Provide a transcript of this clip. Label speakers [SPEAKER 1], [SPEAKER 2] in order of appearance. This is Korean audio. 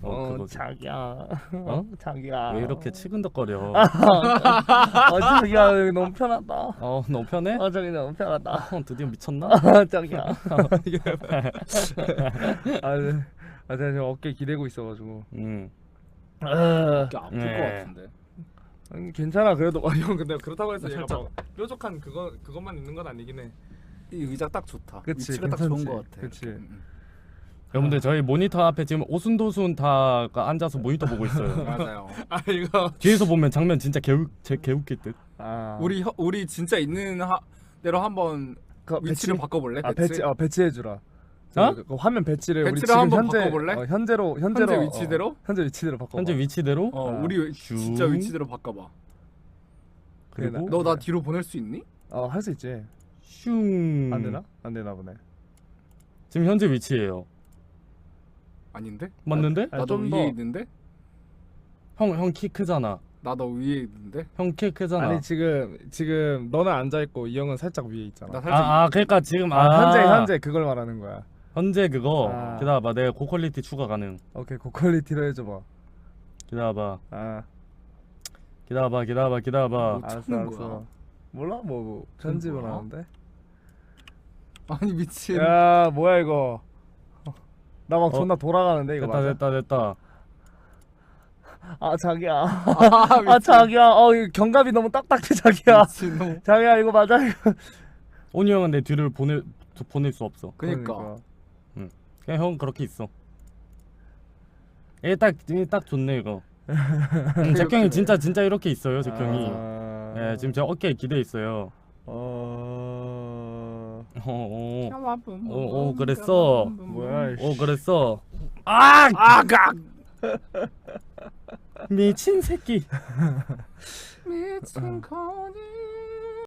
[SPEAKER 1] 그거지.
[SPEAKER 2] 자기야.
[SPEAKER 1] 어?
[SPEAKER 2] 자기야.
[SPEAKER 1] 왜 이렇게 치근덕거려?
[SPEAKER 2] 자기야 여기 너무 편하다.
[SPEAKER 1] 너무 편해?
[SPEAKER 2] 저기 너무 편하다.
[SPEAKER 1] 드디어 미쳤나?
[SPEAKER 2] 자기야. 제가 지금 어깨 기대고 있어가지고.
[SPEAKER 3] 어깨 아플
[SPEAKER 1] 네.
[SPEAKER 3] 것 같은데.
[SPEAKER 2] 괜찮아 그래도. 형 근데 그렇다고 해서 얘가
[SPEAKER 3] 살짝.
[SPEAKER 2] 막 뾰족한 그것만 있는 건 아니긴 해.
[SPEAKER 3] 이 의자 딱 좋다.
[SPEAKER 2] 그치,
[SPEAKER 3] 위치가 딱 좋은
[SPEAKER 2] 괜찮지.
[SPEAKER 3] 것 같아.
[SPEAKER 2] 그치.
[SPEAKER 1] 여러분들 저희 모니터 앞에 지금 오순도순 다가 앉아서 모니터 보고 있어요.
[SPEAKER 3] 맞아요.
[SPEAKER 2] 이거.
[SPEAKER 1] 뒤에서 보면 장면 진짜 개웃길 듯.
[SPEAKER 3] 우리 진짜 있는 대로 한번 위치를
[SPEAKER 2] 배치?
[SPEAKER 3] 바꿔볼래?
[SPEAKER 2] 배치해주라. 그 화면 배치를 우리
[SPEAKER 3] 배치를
[SPEAKER 2] 지금
[SPEAKER 3] 한번
[SPEAKER 2] 현재
[SPEAKER 3] 바꿔볼래?
[SPEAKER 2] 현재로
[SPEAKER 3] 현재 위치대로?
[SPEAKER 2] 현재 위치대로 바꿔.
[SPEAKER 1] 현재 위치대로.
[SPEAKER 3] 우리 진짜 위치대로 바꿔봐.
[SPEAKER 1] 그리고
[SPEAKER 3] 너 나 뒤로 보낼 수 있니?
[SPEAKER 2] 할 수 있지.
[SPEAKER 1] 슝.
[SPEAKER 2] 안 되나? 안 되나 보네.
[SPEAKER 1] 지금 현재 위치예요.
[SPEAKER 3] 아닌데?
[SPEAKER 1] 맞는데?
[SPEAKER 3] 나 너
[SPEAKER 2] 좀
[SPEAKER 3] 위에
[SPEAKER 2] 더.
[SPEAKER 3] 있는데?
[SPEAKER 1] 형 키 크잖아.
[SPEAKER 3] 나 너 위에 있는데?
[SPEAKER 1] 형 키 크잖아.
[SPEAKER 2] 아니 지금 너는 앉아 있고 이 형은 살짝 위에 있잖아.
[SPEAKER 3] 나 살짝
[SPEAKER 1] 그러니까 지금
[SPEAKER 2] 현재 그걸 말하는 거야.
[SPEAKER 1] 현재 그거
[SPEAKER 2] 아.
[SPEAKER 1] 기다려봐. 내가 고퀄리티 추가 가능.
[SPEAKER 2] 오케이 고퀄리티로 해줘봐.
[SPEAKER 1] 기다려봐.
[SPEAKER 2] 뭐
[SPEAKER 1] 기다려봐.
[SPEAKER 3] 찾는 거야?
[SPEAKER 2] 몰라 뭐 편집을
[SPEAKER 3] 뭐야?
[SPEAKER 2] 하는데.
[SPEAKER 3] 아니 미친.
[SPEAKER 2] 야 뭐야 이거. 나 막 존나 돌아가는데 이거 맞아?
[SPEAKER 1] 됐다.
[SPEAKER 2] 자기야.
[SPEAKER 3] 미친.
[SPEAKER 2] 자기야. 이 견갑이 너무 딱딱해 자기야.
[SPEAKER 3] 미친놈.
[SPEAKER 2] 자기야 이거 맞아?
[SPEAKER 1] 온유 형은 내 뒤를 보낼 수 없어.
[SPEAKER 3] 그니까.
[SPEAKER 1] 그냥 형 그렇게 있어. 딱 좋네 이거. 잭형이 진짜 이렇게 있어요. 잭형이. 예, 지금 제 어깨에 기대 있어요. 그랬어.
[SPEAKER 2] 뭐야
[SPEAKER 1] 그랬어. 미친 새끼.
[SPEAKER 3] 미친 거지.